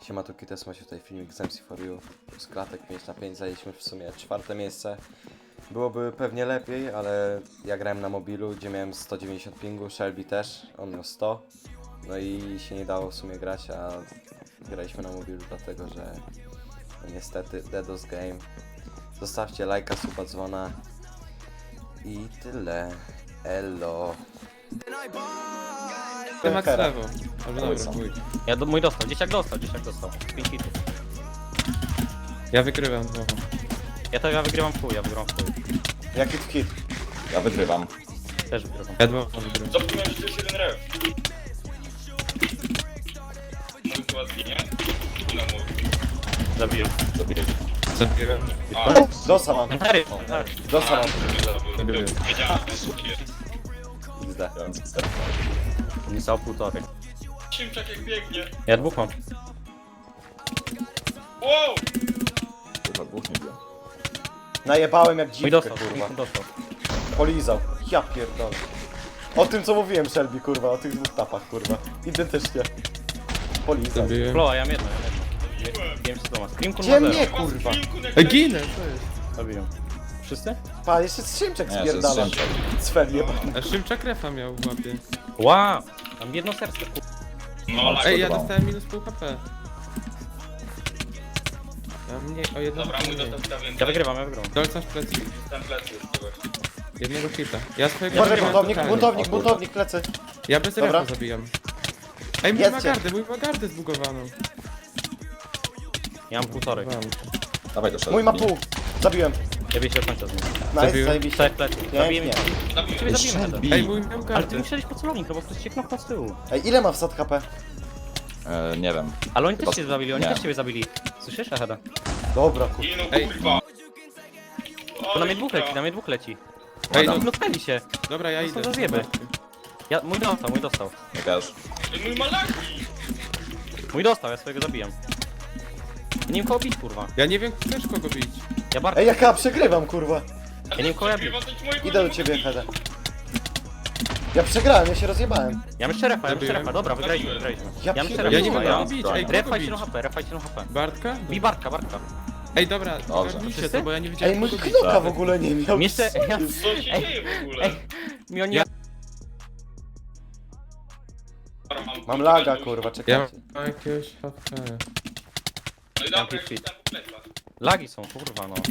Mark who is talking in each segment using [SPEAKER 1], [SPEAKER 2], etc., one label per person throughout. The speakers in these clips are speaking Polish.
[SPEAKER 1] Siema, tu Kites, macie tutaj filmik z MC for You. Z klatek 5 na 5 zajęliśmy w sumie 4. miejsce. Byłoby pewnie lepiej, ale ja grałem na mobilu, gdzie miałem 190 pingu, Shelby też, on miał 100. No i się nie dało w sumie grać, a graliśmy na mobilu dlatego, że no niestety DDoS Game. Zostawcie lajka, suba, dzwona i tyle. Elo.
[SPEAKER 2] Ty Max
[SPEAKER 1] Hera.
[SPEAKER 2] lewo. Albo dobra, chuj.
[SPEAKER 3] Mój dostał, dzieciak dostał. 5 hitów.
[SPEAKER 2] Ja wygrywam znowu.
[SPEAKER 3] Ja wygrywam w chuj,
[SPEAKER 1] Jaki hit?
[SPEAKER 4] Ja wygrywam.
[SPEAKER 3] Też wygrywam.
[SPEAKER 2] Ja dwoma wygrywam.
[SPEAKER 5] Zapomniałem, że to jest jeden ref. Mój chyba zginie. No mój.
[SPEAKER 3] Zabiję.
[SPEAKER 4] Zabiję.
[SPEAKER 2] Zabieram.
[SPEAKER 1] Dosa mam,
[SPEAKER 3] Harry!
[SPEAKER 1] dosa mam.
[SPEAKER 2] Zabiję.
[SPEAKER 5] Wiedziałem, że to jest kier.
[SPEAKER 1] XD.
[SPEAKER 4] Ja mam sterk.
[SPEAKER 3] Nie stał półtorej.
[SPEAKER 5] Szymczak jak biegnie.
[SPEAKER 3] Ja dwóch mam.
[SPEAKER 5] Wow!
[SPEAKER 4] Kurwa, dwóch nie było.
[SPEAKER 1] Najebałem jak
[SPEAKER 3] Mój
[SPEAKER 1] dziwkę,
[SPEAKER 3] dostał,
[SPEAKER 1] kurwa.
[SPEAKER 3] dostał.
[SPEAKER 1] Polizał. Ja pierdolę. O tym co mówiłem, Shelby, kurwa, o tych dwóch tapach, kurwa. Identycznie. Polizał.
[SPEAKER 2] Zabiję.
[SPEAKER 3] Floa, ja mam jedno. Wiem co to ma. Scream
[SPEAKER 1] Gdzie
[SPEAKER 3] ma
[SPEAKER 1] mnie,
[SPEAKER 3] zero.
[SPEAKER 1] kurwa?
[SPEAKER 2] Ej, ginę, co jest?
[SPEAKER 3] Zabiję. Wszyscy?
[SPEAKER 1] Pa, jeszcze Szymczek
[SPEAKER 4] Nie, to
[SPEAKER 1] spierdala.
[SPEAKER 4] jest Szymczak.
[SPEAKER 1] Cfel jebany.
[SPEAKER 2] A Szymczak refa miał w łapie.
[SPEAKER 3] Wow! Mam jedno serce, kurwa.
[SPEAKER 5] No, lag.
[SPEAKER 2] Ej, ja
[SPEAKER 4] Podobało.
[SPEAKER 2] dostałem minus pół HP. Ja mniej, o jedno
[SPEAKER 5] Dobra, mój
[SPEAKER 2] mniej.
[SPEAKER 5] dostał więcej.
[SPEAKER 3] Ja wygrywam.
[SPEAKER 2] Dolca w plecy.
[SPEAKER 5] Ten plecy już kogoś.
[SPEAKER 2] Jednego hita. Ja swojego
[SPEAKER 1] Uważaj,
[SPEAKER 2] zabiłem
[SPEAKER 1] buntownik,
[SPEAKER 2] totalnie.
[SPEAKER 1] buntownik,
[SPEAKER 4] O kurwa.
[SPEAKER 1] buntownik, plecy.
[SPEAKER 2] Ja bez
[SPEAKER 1] Dobra.
[SPEAKER 2] refa zabijam. Ej, mój
[SPEAKER 1] Jedźcie.
[SPEAKER 2] ma gardę zbugowaną.
[SPEAKER 3] Ja mam półtorej.
[SPEAKER 4] Dawaj do szatni.
[SPEAKER 1] Mój ma pół. Zabiłem.
[SPEAKER 3] Ja biegnę do końca z nim.
[SPEAKER 1] Nice,
[SPEAKER 2] Zabiłem.
[SPEAKER 1] zajebiście.
[SPEAKER 3] Czterech plecy. Zabiję mnie.
[SPEAKER 1] Pięknie.
[SPEAKER 3] Ciebie zabijemy. Heather.
[SPEAKER 2] Ej, mój miał
[SPEAKER 3] Ale ty
[SPEAKER 2] gardę.
[SPEAKER 3] musiałeś po celownik, no bo ktoś cię knopnął z tyłu.
[SPEAKER 1] Ej, ile ma wsad HP?
[SPEAKER 4] Nie wiem.
[SPEAKER 3] Ale oni
[SPEAKER 4] Chyba-
[SPEAKER 3] też cię zabili, oni
[SPEAKER 4] nie.
[SPEAKER 3] też ciebie zabili. Słyszysz, Aheda?
[SPEAKER 1] Dobra, kurwa.
[SPEAKER 5] I no
[SPEAKER 2] Ej.
[SPEAKER 5] kurwa.
[SPEAKER 3] To na mnie dwóch leci,
[SPEAKER 2] Ej, no,
[SPEAKER 3] Knopnęli się.
[SPEAKER 2] dobra, ja
[SPEAKER 3] To
[SPEAKER 2] idę.
[SPEAKER 3] są zjeby. Mój dostał.
[SPEAKER 4] Ja też.
[SPEAKER 5] Ej, mój ma lagi.
[SPEAKER 3] Mój dostał, ja swojego zabijam. Ja nie wiem kogo bić, kurwa.
[SPEAKER 2] Ja nie wiem, chcesz kogo bić.
[SPEAKER 3] Ja bardzo.
[SPEAKER 1] Ej, jaka przegrywam, kurwa.
[SPEAKER 3] Ja nie wiem kogo ja bić.
[SPEAKER 1] Idę do ciebie, Heda. Ja przegrałem, ja się rozjebałem.
[SPEAKER 3] Ja mam 4
[SPEAKER 2] Zabiłem.
[SPEAKER 3] refa, dobra, wygraliśmy.
[SPEAKER 1] Ja
[SPEAKER 3] Ja mam 4
[SPEAKER 1] pierdolę.
[SPEAKER 2] Ja nie
[SPEAKER 3] refa,
[SPEAKER 2] wiem
[SPEAKER 3] ja
[SPEAKER 2] kogo bić, ej, kogo
[SPEAKER 3] refajcie
[SPEAKER 2] bić?
[SPEAKER 3] no HP, refajcie no HP.
[SPEAKER 2] Bartka?
[SPEAKER 3] Bij Bartka.
[SPEAKER 2] Ej, dobra,
[SPEAKER 4] Dobrze.
[SPEAKER 2] zgarnijcie
[SPEAKER 3] Wszyscy?
[SPEAKER 2] to, bo ja nie wiedziałem
[SPEAKER 1] Ej, mój
[SPEAKER 2] kogo bić.
[SPEAKER 1] knoka w ogóle nie miał.
[SPEAKER 3] Jeszcze, ja,
[SPEAKER 5] Co się dzieje w ogóle?
[SPEAKER 3] ej, mi oni...
[SPEAKER 2] Ja-
[SPEAKER 1] Mam laga, kurwa,
[SPEAKER 2] Ja
[SPEAKER 1] czekajcie.
[SPEAKER 2] mam jakiegoś HP.
[SPEAKER 5] No i dobra,
[SPEAKER 3] Jaki
[SPEAKER 5] już tam po plecach.
[SPEAKER 3] Lagi są, kurwa, no.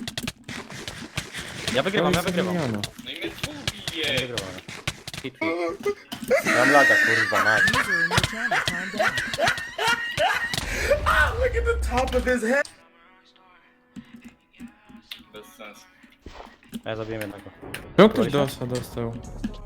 [SPEAKER 3] Ja wygrywam.
[SPEAKER 5] No i mnie tu
[SPEAKER 3] Ja
[SPEAKER 5] bije.
[SPEAKER 3] wygrywam. Hit.
[SPEAKER 1] Mam laga, kurwa, mać.
[SPEAKER 5] Bez sensu.
[SPEAKER 3] A ja zabiłem jednego.
[SPEAKER 2] Czemu ktoś dosa dostał?